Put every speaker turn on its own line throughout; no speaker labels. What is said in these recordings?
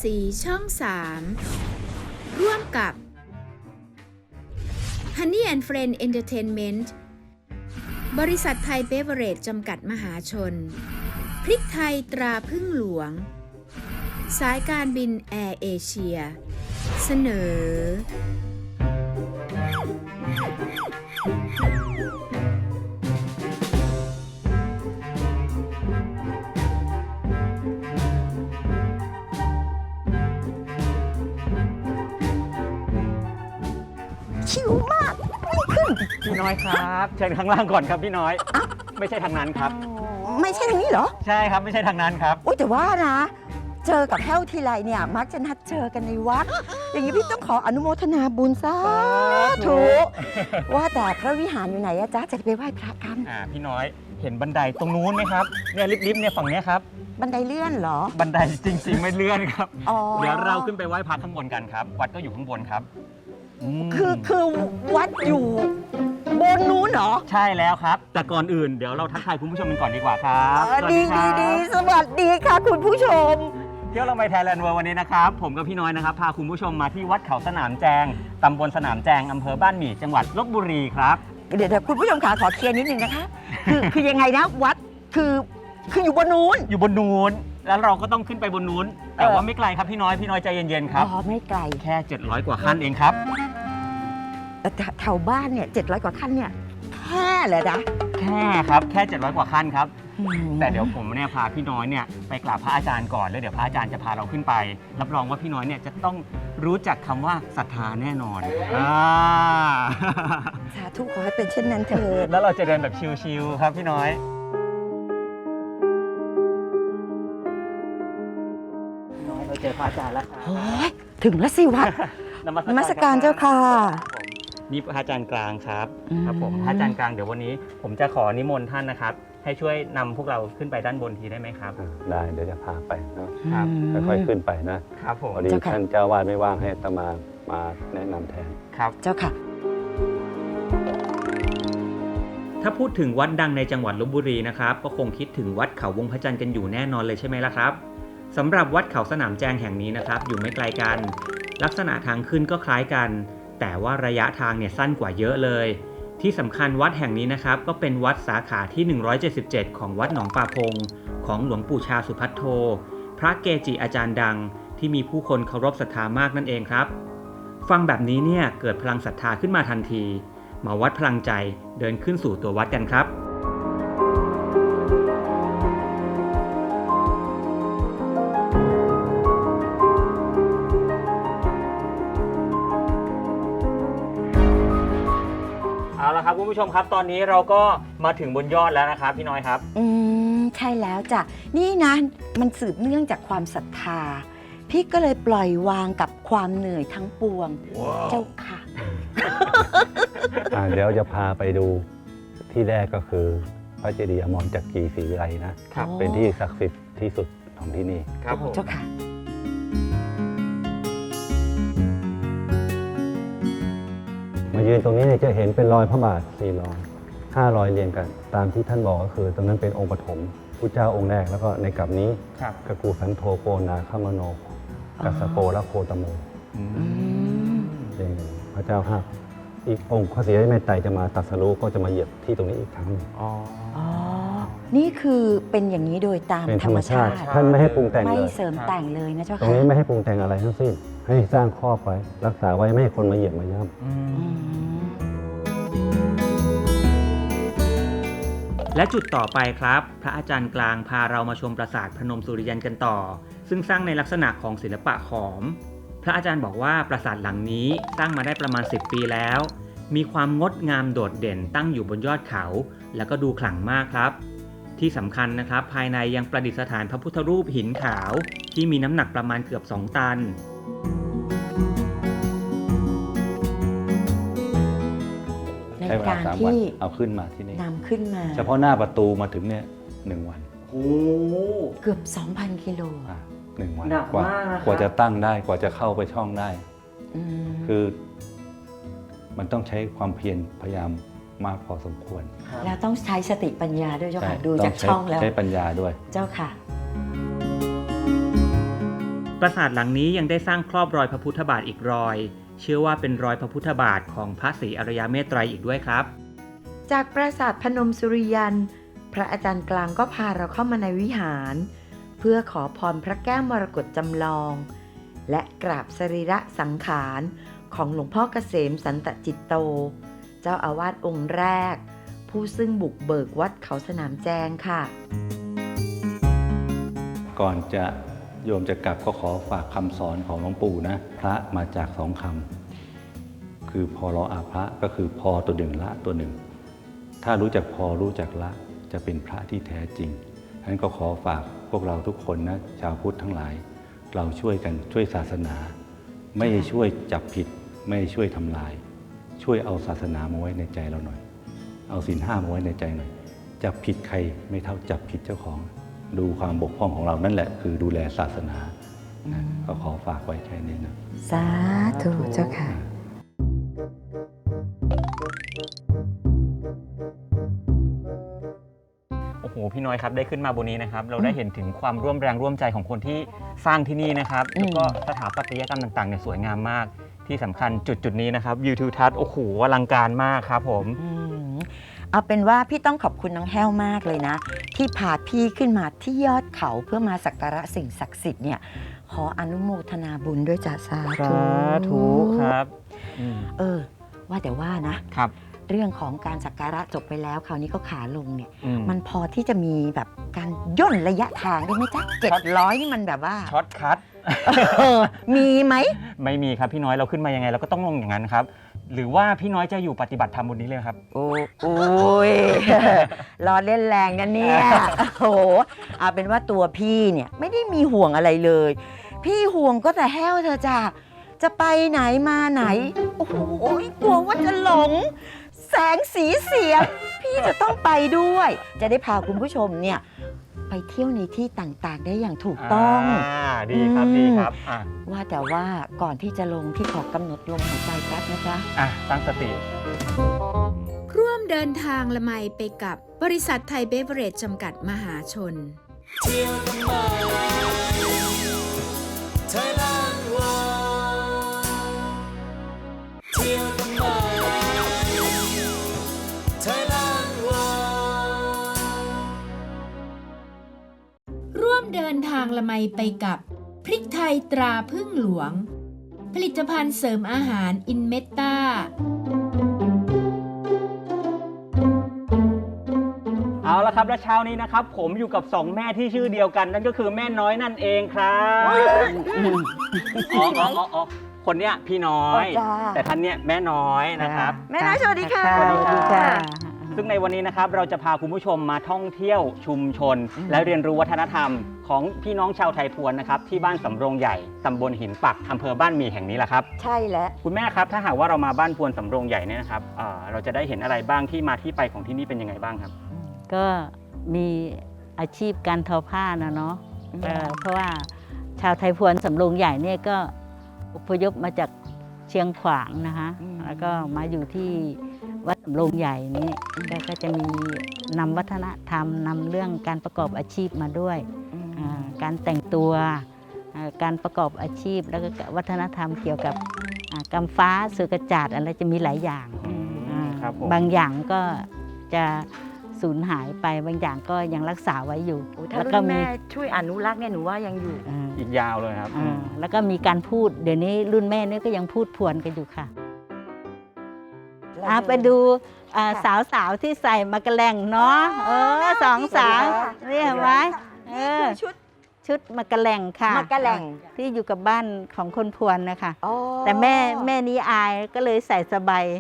สีช่อง 3 ร่วมกับ Honey and Friend Entertainment บริษัทไทยเบเวอเรจจำกัดมหาชน พริกไทยตราพึ่งหลวง สายการบินแอร์เอเชีย เสนอ
ชิวมากไม่ขึ้น
พี่น้อยครับเชิญข้างล่างก่อนครับพี่น้อย ไม่ใช่ทางนั้นครับ
ไม่ใช่ทางนี้เหรอ
ใช่ครับไม่ใช่ทางนั้นครับ
อุ้ยแต่ว่านะ เจอกับแห้วทีไรเนี่ย มักจะนัดเจอกันในวัด อย่างนี้พี่ต้องขออนุโมทนาบุญสาธุว่าแต่พระวิหารอยู่ไหนอะจ๊ะจะไปไหว้พระกัน
พี่น้อยเห็นบันไดตรงนู้นไหมครับเนี่ยลิฟต์เนี่ยฝั่งเนี้ยครับ
บันไดเลื่อนเหรอ
บันไดจริงๆไม่เลื่อนครับ
อ๋อ
เดี๋ยวเราขึ้นไปไหว้พระข้างบนกันครับวัดก็อยู่ข้างบนครับม
คือวัดอยู่บนนู้นเหรอ
ใช่แล้วครับ แต่ก่อนอื่นเดี๋ยวเราทักทายคุณผู้ชมกันก่อนดีกว่าครับสวัส
ดี
ครั
ดี
บ
สวัสดีค่ะคุณผู้ชม
เที่ยวเราไปไทยแลนด์เวิร์วันนี้นะครับผมกับพี่น้อยนะครับพาคุณผู้ชมมาที่วัดเขาสนามแจงตำบลสนามแจงอำเภอบ้านหมี่จังหวัดลบบุรีครับ
เดี๋ยวคุณผู้ชมขาขอเคลียร์นิดนึงนะคะ คือยังไงนะวัดคืออยู่บนนู้น
อยู่บนนู้นแล้วเราก็ต้องขึ้นไปบนนู้นแต่ว่าไม่ไกลครับพี่น้อยใจเย็นๆครับ
อ๋อไม่ไกล
แค่700กว่าขั้นเองครับ
แต่แถวบ้านเนี่ย700 กว่าขั้นเนี่ยแค่เลยนะ
แค่ครับแค่700กว่าขั้นครับแต่เดี๋ยวผมเนี่ยพาพี่น้อยเนี่ยไปกราบพระอาจารย์ก่อนแล้วเดี๋ยวพระอาจารย์จะพาเราขึ้นไปรับรองว่าพี่น้อยเนี่ยจะต้องรู้จักคำว่าศรัทธาแน่นอน
สาธุขอให้เป็นเช่นนั้นเถิด
แล้วเราจะเดินแบบชิลๆครับพี่น้อยเราเจอพระอาจารย์แล้วครับ
โอ้ยถึงแล้วสิวัด นมัสการเจ้าค่ะ
นี่พระอาจารย์กลางครับ
อืม
ครับผมพระอาจารย์กลางเดี๋ยววันนี้ผมจะขอนิมนต์ท่านนะครับให้ช่วยนำพวกเราขึ้นไปด้านบนทีได้ไหมครับ
ได้เดี๋ยวจะพาไปเนอะ
ครับ
ค่อยๆขึ้นไปนะครับ
ผม
พอดีท่านเจ้าวาดไม่ว่างให้อาตมาแนะนำแทน
ครับ
เจ้าค่ะ
ถ้าพูดถึงวัดดังในจังหวัดลพบุรีนะครับก็คงคิดถึงวัดเขาวงพระจันทร์กันอยู่แน่นอนเลยใช่ไหมล่ะครับสำหรับวัดเขาสนามแจงแห่งนี้นะครับอยู่ไม่ไกลกันลักษณะทางขึ้นก็คล้ายกัน แต่ว่าระยะทางเนี่ยสั้นกว่าเยอะเลยที่สำคัญวัดแห่งนี้นะครับก็เป็นวัดสาขาที่177ของวัดหนองป่าพงของหลวงปู่ชาสุภัทโทพระเกจิอาจารย์ดังที่มีผู้คนเคารพศรัทธามากนั่นเองครับฟังแบบนี้เนี่ยเกิดพลังศรัทธาขึ้นมาทันทีมาวัดพลังใจเดินขึ้นสู่ตัววัดกันครับ
เอาละครับคุณผู้ชมครับตอนนี้เราก็มาถึงบนยอดแล้วนะครับพี่น้อยครับ
ใช่แล้วจ้ะนี่นะมันสืบเนื่องจากความศรัทธา พี่ก็เลยปล่อยวางกับความเหนื่อยทั้งปวง เจ้าค่ะ
เดี๋ยวจะพาไปดูที่แรกก็คือพระเจดีย์อมรจักรีศรีวิไลนะครับ เป็นที่ศักดิ์สิทธิ์ที่สุดของที่นี่
ครับผม
เจ้าค่ะ
มายืนตรงนี้เนี่ยจะเห็นเป็นรอยพระบาท4 รอย5 รอยเรียงกัน ตามที่ท่านบอกก็คือตรงนั้นเป็นองค์ปฐมพุทธเจ้าองค์แรกแล้วก็ในกลับนี้
ครับ
กกูสันโธโกนาคามโนกัสสโปและโคตโมเรียงกันพระเจ้าห้าอีกองค์พระศรีรัตนเมตไตรจะมาตรัสรู้ก็จะมาเหยียบที่ตรงนี้อีกครั้งหนึ่ง
อ๋อ
อ๋อ นี่คือเป็นอย่างนี้โดยตาม
เป็น
ธ
ธ
ร
ร
ร
ร
ม
ม
ชา
ชา
ติ
ติท่านไม่ให้ปรุงแต่ง
ไม่
เลย
เสริมแต่งเลยนะเจ้า
ตรง
ค่ะ
นี้ไม่ให้ปรุงแต่งอะไรทั้งสิ้น ให้สร้างครอบไว้ รักษาไว้ไม่ให้คนมาเหยียบมาย่
อืม
และจุดต่อไปครับ พระอาจารย์กลางพาเรามาชมปราสาทพนมสุริยันกันต่อ ซึ่งสร้างในลักษณะของศิลปะขอม พระอาจารย์บอกว่าปราสาทหลังนี้สร้างมาได้ประมาณ10 ปีแล้ว มีความงดงามโดดเด่นตั้งอยู่บนยอดเขา แล้วก็ดูขลังมากครับ ที่สำคัญนะครับภายในยังประดิษฐานพระพุทธรูปหินขาว ที่มีน้ำหนักประมาณเกือบ2 ตัน
ำ
ใน
ใช้เวลา
การ
3 วัน
ที่
เอาขึ้นมาที่นี่
นำขึ้นมา
เฉพาะหน้าประตูมาถึงเนี่ย1 วัน
โอ้
เกือบ 2,000 กิโล
1 วัน
หนัก
กว่าม
ากนะครับ
กว่าจะตั้งได้กว่าจะเข้าไปช่องได้
อืม
คือมันต้องใช้ความเพียรพยายามมากพอสมควร
แล้วต้องใช้สติปัญญาด้วยเจ้าค่ะ ดู
ต้
จากช่องแล้ว
ใช้ปัญญาด้วย
เจ้าค่ะ
พปราสาทหลังนี้ยังได้สร้างครอบรอยพระพุทธบาทอีกรอย เชื่อว่าเป็นรอยพระพุทธบาทของพระศรีอริยเมตไตรอีกด้วยครับ
จากปราสาทพนมสุริยันพระอาจารย์กลางก็พาเราเข้ามาในวิหาร เพื่อขอพรพระแก้วมรกตจำลอง และกราบสรีระสังขารของหลวงพ่อเกษมสันตจิตโต เจ้าอาวาสองค์แรก ผู้ซึ่งบุกเบิกวัดเขาสนามแจงค่ะ
ก่อนจะโยมจะกลับก็ขอฝากคำสอนของหลวงปู่นะพระมาจากสองคำคือพอรออาพระก็คือพอตัวหนึ่งละตัวหนึ่งถ้ารู้จักพอรู้จักละจะเป็นพระที่แท้จริงฉะนั้นก็ขอฝากพวกเราทุกคนนะชาวพุทธทั้งหลาย เราช่วยกันช่วยศาสนา ไม่ช่วยจับผิดไม่ช่วยทำลาย ช่วยเอาศาสนามาไว้ในใจเราหน่อย เอาศีลห้ามาไว้ในใจหน่อยจับผิดใครไม่เท่าจับผิดเจ้าของดูความบกพร่องของเรานั่นแหละคือดูแลศาสนานะก็ขอฝากไว้แค่นี้นะ
สาธุเจ้าค่ะ
โอ้โหพี่น้อยครับได้ขึ้นมาบนนี้นะครับเราได้เห็นถึงความร่วมแรงร่วมใจของคนที่สร้างที่นี่นะครับแล้วก็สถาปัตยกรรมต่างๆเนี่ยสวยงามมากที่สำคัญจุดนี้นะครับวิวทิวทัศน์โอ้โหอลังการมากครับผม
เอาเป็นว่าพี่ต้องขอบคุณน้องแห้วมากเลยนะ ที่พาพี่ขึ้นมาที่ยอดเขาเพื่อมาสักการะสิ่งศักดิ์สิทธิ์เนี่ยขออนุโมทนาบุญด้วยจ้าสาธุ
ครับ
ว่าแต่ว่านะครับ เรื่องของการสักการะจบไปแล้วคราวนี้ก็ขาลงเนี่ย มันพอที่จะมีแบบการย่นระยะทางได้ไหมจ๊ะ700นี่มันแบบว่า
ช็อตคัท
มีไหม
ไม่มีครับพี่น้อยเราขึ้นมายังไงเราก็ต้องลงอย่างนั้นครับหรือว่าพี่น้อยจะอยู่ปฏิบัติธรรมบนนี้เลยครับ
โอ้ย รอเล่นแรงนะเนี่ย โอ้โหเอาเป็นว่าตัวพี่เนี่ยไม่ได้มีห่วงอะไรเลย พี่ห่วงก็แต่แห้วเธอจ้ะจะไปไหนมาไหน โอ้โหกลัวว่าจะหลง แสงสีเสียง พี่จะต้องไปด้วย จะได้พาคุณผู้ชมเนี่ยไปเที่ยวในที่ต่างๆ ได้อย่างถูกต้อง
ดีครับดีครับ
ว่าแต่ว่าก่อนที่จะลงพี่ขอกำหนดลมหายใจแป๊บนะจ๊ะ
ตั้งสติ
ร่วมเดินทางละไมไปกับบริษัทไทยเบเวอเรจจำกัดมหาชน ร่วมเดินทางละไมไปกับพริกไทยตราพึ่งหลวง ผลิตภัณฑ์เสริมอาหารอินเมตตา
เอาละครับและเช้านี้นะครับผมอยู่กับสองแม่ที่ชื่อเดียวกันนั่นก็คือแม่น้อยนั่นเองครับคนเนี้ยพี่น้อย
จ้า
แต่ท่านเนี้ยแม่น้อยนะครับ
แม่น้อยสวัสดีค่ะ
สวัสดีค่ะ ซึ่งในวันนี้นะครับเราจะพาคุณผู้ชมมาท่องเที่ยวชุมชน และเรียนรู้วัฒนธรรมของพี่น้องชาวไทยพวนนะครับที่บ้านสำโรงใหญ่ตำบลหินปักอำเภอบ้านหมี่แห่งนี้แหละครับ
ใช่แล้ว
คุณแม่ครับถ้าหากว่าเรามาบ้านพวนสำโรงใหญ่เนี่ยนะครับเราจะได้เห็นอะไรบ้างที่มาที่ไปของที่นี่เป็นยังไงบ้างครับ
ก็มีอาชีพการทอผ้านะเนาะเพราะว่าชาวไทยพวนสำโรงใหญ่เนี่ยก็อพยพมาจากเชียงขวางนะคะแล้วก็มาอยู่ที่วัดสำโรงใหญ่นี้ก็จะมีนำวัฒนธรรมนำเรื่องการประกอบอาชีพมาด้วยการแต่งตัวการประกอบอาชีพแล้วก็วัฒนธรรมเกี่ยวกับกำฟ้าเสือกระจาดอะไรจะมีหลายอย่างบางอย่างก็จะสูญหายไปบางอย่างก็ยังรักษาไว้อยู่
ถ้ารุ่นแม่ช่วยอนุรักษ์เนี่ยหนูว่ายังอยู่
อีกยาวเลยครับ
แล้วก็มีการพูดเดี๋ยวนี้รุ่นแม่นี่ก็ยังพูดพวนกันอยู่ค่ะไปดูสาวๆที่ใส่มากระแลงเนาะสองสาวนี่เห็นไหมชุดมากระแลงค่ะ
มากระแลง
ที่อยู่กับบ้านของคนพวนนะคะแต่แม่นี้อายก็เลยใส่สบาย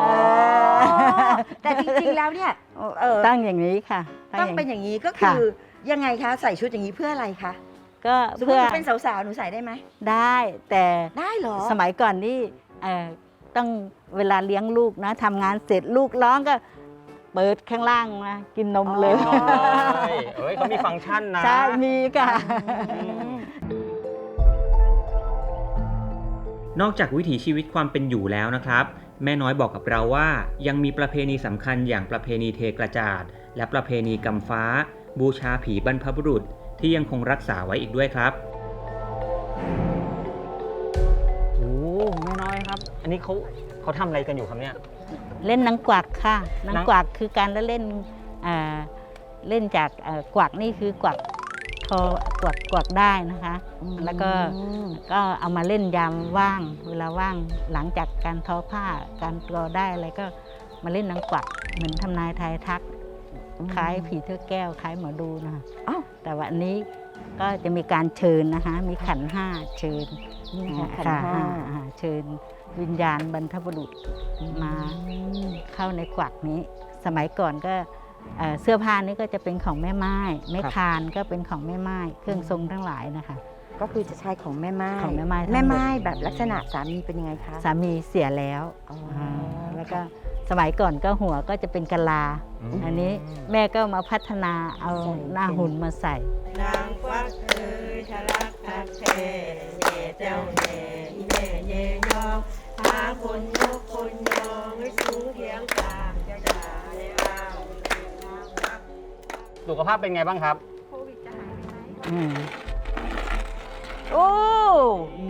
แต่จริงๆแล้วเนี่ย
ตั้งอย่างนี้ค่ะ
ต้องเป็นอย่างนี้ก็คือยังไงคะใส่ชุดอย่างนี้เพื่ออะไรคะ
ก็
เพื่อเป็นสาวๆหนูใส่ได้ไหม
ได้แต่
ได้เหรอ
สมัยก่อนนี่ต้องเวลาเลี้ยงลูกนะทำงานเสร็จลูกร้องก็เปิดข้างล่างมากินนมเลย
เขามีฟังก์ชันนะ
ใช่มีค่ะ
นอกจากวิถีชีวิตความเป็นอยู่แล้วนะครับแม่น้อยบอกกับเราว่ายังมีประเพณีสำคัญอย่างประเพณีเทกระจาดและประเพณีกำฟ้าบูชาผีบรรพบุรุษที่ยังคงรักษาไว้อีกด้วยครับ
อันนี้เขาทำอะไรกันอยู่ครับเนี่ย
เล่นนางกวักค่ะนาง
นาง
กวักคือการเล่นเล่นจากกวักนี่คือกวักทอกวักได้นะคะ แล้วก็เอามาเล่นยามว่างเวลาว่างหลังจากการทอผ้าการกรอได้อะไรก็มาเล่นนางกวักเหมือนทำนายทายทักคล้ายผีเทือกแก้วคล้ายหมอดูนะคะ
อ้าว
แต่วันนี้ก็จะมีการเชิญนะคะ มีขันห้าเชิญ
นี่ค่ะขัน
ค่ะ
ห้า
เชิญวิญญาณบรรพบุรุษมาเข้าในกวักนี้ สมัยก่อนก็เสื้อผ้านี่ก็จะเป็นของแม่ไม้ไม้คานก็เป็นของแม่ไม้เครื่องทรงทั้งหลายนะคะ
ก็คือจะใช้ของแม่ไม้
ของแม่ไม้ทั้งหมด
แม่ไม้แบบลักษณะสามีเป็นยังไงคะ
สามีเสียแล้ว
อ๋ออ่
แล้วก็สมัยก่อนก็หัวก็จะเป็นกะลา อันนี้แม่ก็มาพัฒนาเอาหน้าหุ่นมาใส่
นางฟักเอ๋ยทะลักทักแท้เย่เจ้าแน่อีแม่เย่ยองพาคนยกคนยองให้สูงเพียงกลางจะด่าได้อ้าว
สุขภาพเป็นไงบ้างครับ
อืมโอ้ ดี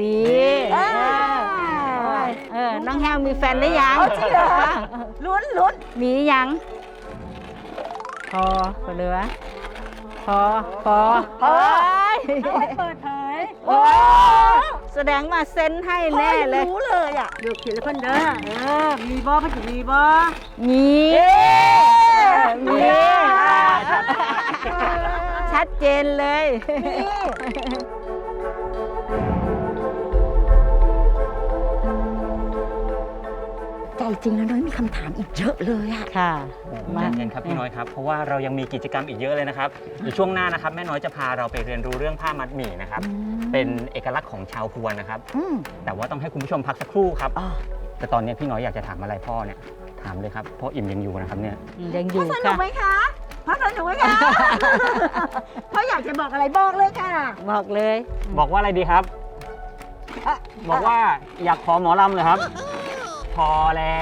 น้องแฮวมีแฟนหรือยัง
จริงเหรอลุ้น
มียัง พอเหลือพอเฮ้ยเปิดเผยโอ้แสดงมาเซ็นให้แน่เลย
รู้เลยอ่ะ
อยู่ขีดละคนเด้อมีบ่พันจะมีบ่
มีชัดเจนเลย
ใจจริงแล้วน้อยมีคำถามอีกเยอะเลยอ่ะ
ค่ะ
ใจเย็นครับพี่น้อยครับ เพราะว่าเรายังมีกิจกรรมอีกเยอะเลยนะครับเดี๋ยวช่วงหน้านะครับแม่น้อยจะพาเราไปเรียนรู้เรื่องผ้ามัดหมี่นะครับ เป็นเอกลักษณ์ของชาวพวนนะครับ แต่ว่าต้องให้คุณผู้ชมพักสักครู่ครับ
อ๋อ
แต่ตอนนี้พี่น้อยอยากจะถามอะไรพ่อเนี่ยถามเลยครับพ่ออิ่มยังอยู่นะครับเนี่ย
ยังอยู่
สนุก
ค่ะ
ไหมคะพ่อสนุกไหมคะพ่ออยากจะบอกอะไรบอกเลยค่ะ
บอกเลย
บอกว่าอะไรดีครับ บอกว่าอยากขอหมอลำเลยครับ พอแล้ว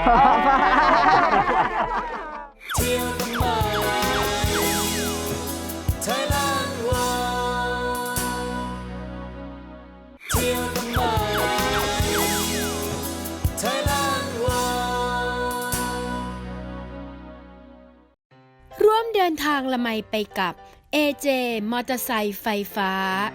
ร่วมเดินทางละไมไปกับ AJ มอเตอร์ไซค์ไฟฟ้า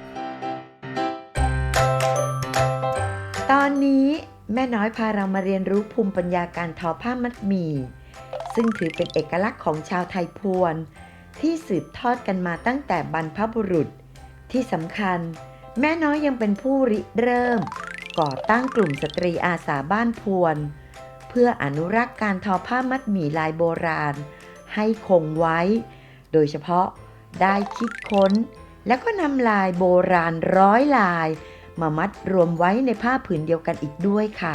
ตอนนี้แม่น้อยพาเรามาเรียนรู้ภูมิปัญญาการทอผ้ามัดหมี่ซึ่งถือเป็นเอกลักษณ์ของชาวไทยพวน ที่สืบทอดกันมาตั้งแต่บรรพบุรุษ ที่สำคัญ แม่น้อยยังเป็นผู้ริเริ่ม ก่อตั้งกลุ่มสตรีอาสาบ้านพวน เพื่ออนุรักษ์การทอผ้ามัดหมี่ลายโบราณ ให้คงไว้ โดยเฉพาะได้คิดค้น และก็นำลายโบราณ100 ลาย มามัดรวมไว้ในผ้าผืนเดียวกันอีกด้วยค่ะ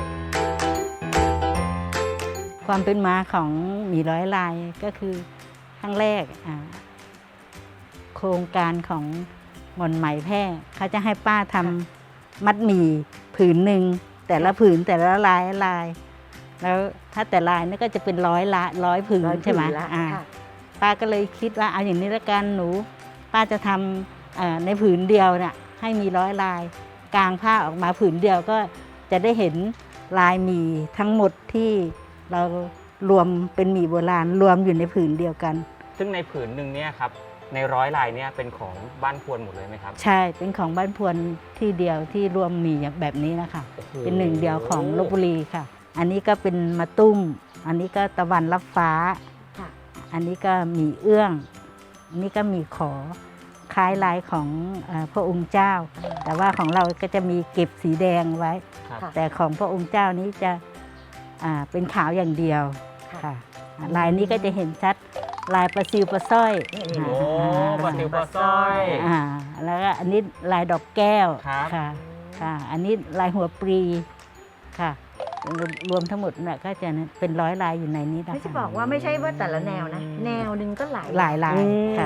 ความเป็นมาของหมี่ร้อยลายก็คือครั้งแรกโครงการของหม่อนไหมแพร่เขาจะให้ป้าทำมัดหมี่ผืนหนึ่งแต่ละผืนแต่ละลายแล้วถ้าแต่ลายนี่ก็จะเป็นร้อยผืนใช่ไหม
ละ
อ่าป้าก็เลยคิดว่าเอาอย่างนี้ละกันหนูป้าจะทำในผืนเดียวน่ะให้มี100 ลายกางผ้าออกมาผืนเดียวก็จะได้เห็นลายหมี่ทั้งหมดที่เรารวมเป็นหมี่โบราณรวมอยู่ในผืนเดียวกัน
ซึ่งในผืนหนึ่งเนี่ยครับใน100 ลายเนี่ยเป็นของบ้านพวนหมดเลยไหมครับ
ใช่เป็นของบ้านพวนที่เดียวที่รวมหมี่แบบนี้นะคะ
โอ้โห
เป็นหนึ่งเดียวของลพบุรีค่ะ อันนี้ก็เป็นมะตุ้ม อันนี้ก็ตะวันรับฟ้า
ค่ะ
อันนี้ก็หมี่เอื้องอันนี้ก็หมี่ขอคล้ายลายของพระองค์เจ้า แต่ว่าของเราก็จะมีเก็บสีแดงไว้
ครับ
แต่ของพระองค์เจ้านี้จะเป็นขาวอย่างเดียวค่ะลายนี้ก็จะเห็นชัดลายปลาซิวปลาสร้อย
โอ้ปลาซิวปลาสร้อย
แล้วก็อันนี้ลายดอกแก้ว
ครับ
ค่ะอันนี้ลายหัวปรีค่ะรวมทั้งหมดน่ะก็จะเป็น100 ลายอยู่ในนี้นะคะ
ไม่จะบอกว่าไม่ใช่ว่าแต่ละแนวนะ แนวหนึ่งก็หลาย
หลายลายค่ะ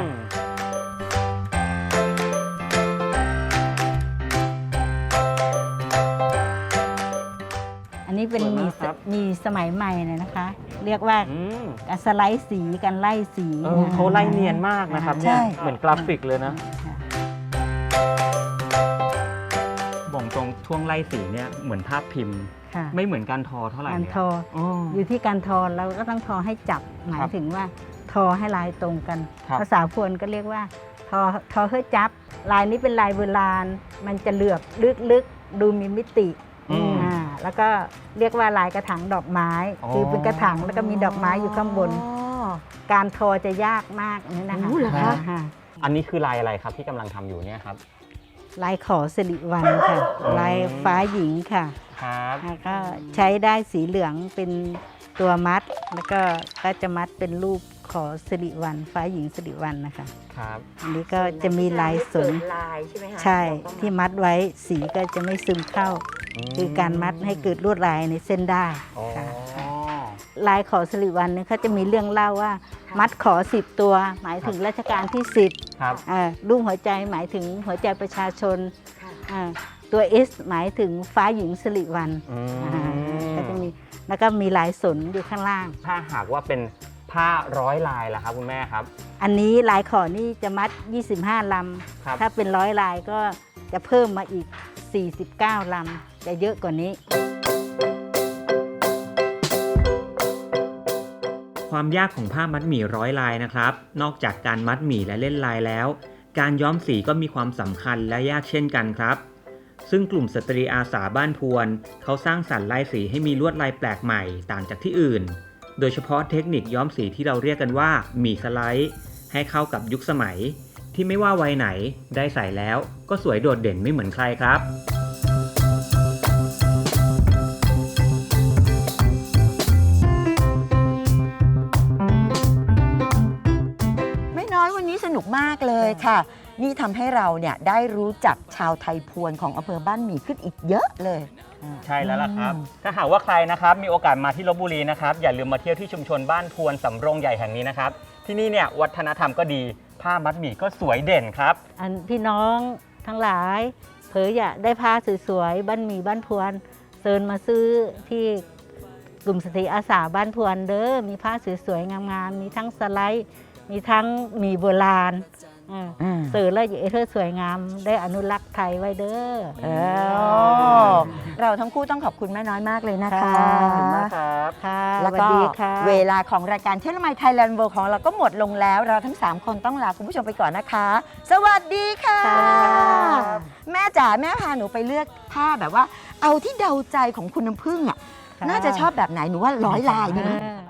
อันนี้เป็น
สวยมากครับ
มีสมัยใหม่เลยนะคะ เรียกว่า
อืม
การสไลด์สีการไล่สี
เขาไล่เนียนมากนะครับเนี่ยเหมือนกราฟิกเลยนะ
ค่ะ
บอกตรงช่วงไล่สีเนี่ยเหมือนภาพพิมพ์
ค่ะ
ไม่เหมือนการทอเท่าไหร่
การ
เลย
ทอ
อ๋อ
อยู่ที่การทอเราก็ต้องทอให้จับหมายถึงว่าทอให้ลายตรงกัน
ครับ
ภาษาพวนก็เรียกว่าทอให้จับลายนี้เป็นลายโบราณมันจะเหลือบลึกๆดูมีมิติ
อืม
แล้วก็เรียกว่าลายกระถางดอกไม้
อ๋อ
คือเป็นกระถางแล้วก็มีดอกไม้อยู่ข้างบน การทอจะยากมากนี่นะคะ
อู้เหรอคะ
ค่ะ
อันนี้คือลายอะไรครับที่กำลังทำอยู่เนี่ยครับ
ลายขอสิริวัลย์ค่ะ ลายฟ้าหญิงค่ะ
ครับ
แล้วก็ใช้ได้สีเหลืองเป็นตัวมัด แล้วก็จะมัดเป็นรูปขอสิริวัลย์ฟ้าหญิงสิริวัลย์นะคะ
ครับ
อันนี้ก็จะมีลายสน
ลายใช่ไหมคะ
ใช่ที่มัดไว้สีก็จะไม่ซึมเข้า คือการมัดให้เกิดลวดลายในเส้นได้
อ๋อ
ค่ะลายขอสิริวัลย์เนี่ยเขาจะมีเรื่องเล่าว่า มัดขอ10 ตัว หมายถึงรัชกาลที่ 10
ครับ
รูปหัวใจหมายถึงหัวใจประชาชนตัว S หมายถึงฟ้าหญิงสิริวัลย์
อืม
ก็จะมีแล้วก็มีลายสนอยู่ข้างล่าง
ถ้าหากว่าเป็นผ้าร้อยลายล่ะครับคุณแม่ครับ
อันนี้ลายขอนี่จะมัด 25 ล
ครับ
ำ ถ้าเป็น100 ลายก็จะเพิ่มมาอีก 49 ลำ จะเยอะกว่านี้
ความยากของผ้ามัดหมี่ร้อยลายนะครับ นอกจากการมัดหมี่และเล่นลายแล้ว การย้อมสีก็มีความสำคัญและยากเช่นกันครับ ซึ่งกลุ่มสตรีอาสาบ้านพวนเขาสร้างสรรค์ลายสีให้มีลวดลายแปลกใหม่ต่างจากที่อื่น โดยเฉพาะเทคนิคย้อมสีที่เราเรียกกันว่าหมี่สไลด์ ให้เข้ากับยุคสมัย ที่ไม่ว่าวัยไหนได้ใส่แล้วก็สวยโดดเด่นไม่เหมือนใครครับ
ไม่น้อยวันนี้สนุกมากเลยค่ะ นี่ทำให้เราเนี่ยได้รู้จักชาวไทยพวนของอำเภอบ้านหมี่ขึ้นอีกเยอะเลย
ใช่แล้วล่ะครับ ถ้าหากว่าใครนะครับมีโอกาสมาที่ลพบุรีนะครับอย่าลืมมาเที่ยวที่ชุมชนบ้านพวนสำโรงใหญ่แห่งนี้นะครับ ที่นี่เนี่ยวัฒนธรรมก็ดีผ้ามัดหมี่ก็สวยเด่นครับ
อันพี่น้องทั้งหลาย เผยอยากได้ผ้าสวยๆบ้านหมี่บ้านพวนเชิญมาซื้อที่กลุ่มสตรีอาสาบ้านพวนเด้อมีผ้าสวยๆงามๆมีทั้งสไลด์ มีทั้งหมี่โบราณเสิร์ฟแล้วอย่าเธอสวยงามได้อนุรักษ์ไทยไว้เด้อ
เราทั้งคู่ต้องขอบคุณแม่น้อยมากเลยนะคะ
ค่ะ
ขอบคุณมากครับ
ค่ะ
แล้ว
ส
ก็
วัสดีค่ะ
เวลาของรายการเที่ยวละไมไทยแลนด์เวิลด์ของเราก็หมดลงแล้ว เราทั้ง 3 คนต้องลาคุณผู้ชมไปก่อนนะคะ สวัสดีค่ะ
ค่ะ
แม่จ๋าแม่พาหนูไปเลือกผ้าแบบว่า เอาที่เดาใจของคุณน้ำผึ้งอ่ะ น่าจะชอบแบบไหนหนูว่า100 ลายดีไหม
เออ